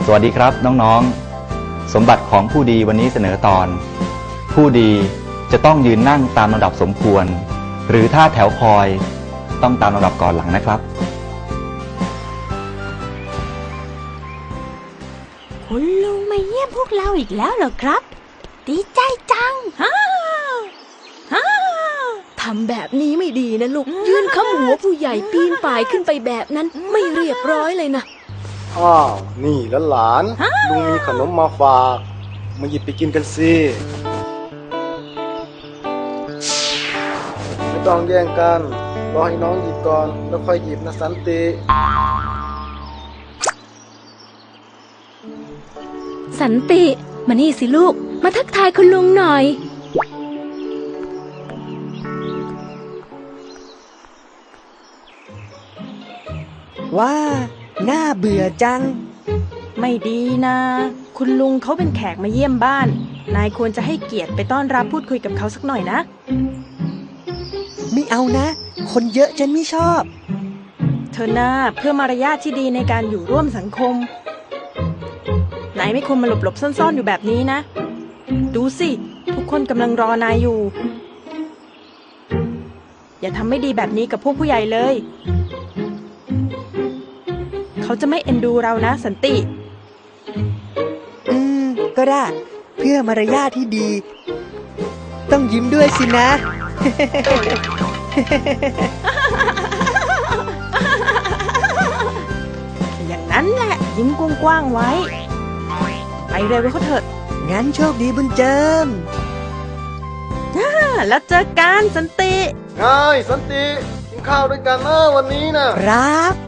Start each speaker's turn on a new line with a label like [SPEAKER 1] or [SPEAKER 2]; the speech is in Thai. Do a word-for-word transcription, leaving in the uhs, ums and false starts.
[SPEAKER 1] สวัสดีครับน้องๆสมบัติของผู้ดีวันนี้เสนอตอนผู้ดีจะต้องยืนนั่งตามลำดับสมควรหรือถ้าแถวคอยต้องตามลำดับก่อนหลังนะครับ
[SPEAKER 2] คุณลุงมาเยี่ยมพวกเราอีกแล้วเหรอครับดีใจจังฮ่าฮ่า
[SPEAKER 3] ทำแบบนี้ไม่ดีนะลูกยืนข้ามหัวผู้ใหญ่ปีนป่ายขึ้นไปแบบนั้นไม่เรียบร้อยเลยนะ
[SPEAKER 4] อ้าวนี่แล้วหลานลุงมีขนมมาฝากมาหยิบไปกินกันสิไม่ต้องแย่งกันรอให้น้องหยิบก่อนแล้วค่อยหยิบนะสันติ
[SPEAKER 3] สันติมานี่สิลูกมาทักทายคุณลุงหน่อย
[SPEAKER 5] ว้าน่าเบื่อจัง
[SPEAKER 2] ไม่ดีนะคุณลุงเขาเป็นแขกมาเยี่ยมบ้านนายควรจะให้เกียรติไปต้อนรับพูดคุยกับเขาสักหน่อยนะ
[SPEAKER 5] ไม่เอานะคนเยอะฉันไม่ชอบ
[SPEAKER 2] เธอหน้าเพื่อมารยาทที่ดีในการอยู่ร่วมสังคมนายไม่ควรมาหลบหลบซ่อนๆอยู่แบบนี้นะดูสิทุกคนกำลังรอนายอยู่อย่าทำไม่ดีแบบนี้กับพวกผู้ใหญ่เลยเขาจะไม่เอ็นดูเรานะสันติ
[SPEAKER 5] อืมก็ได้เพื่อมารยาทที่ดีต้องยิ้มด้วยสินะ
[SPEAKER 2] อย่างนั้นแหละยิ้มกว้างๆไว้ไปเร็วเขาเถอะ
[SPEAKER 5] งั้นโชคดีบุญเจิม
[SPEAKER 2] แล้วเจอกันสันติ
[SPEAKER 4] ไงสันติกินข้าวด้วยกันนะวันนี้นะครับ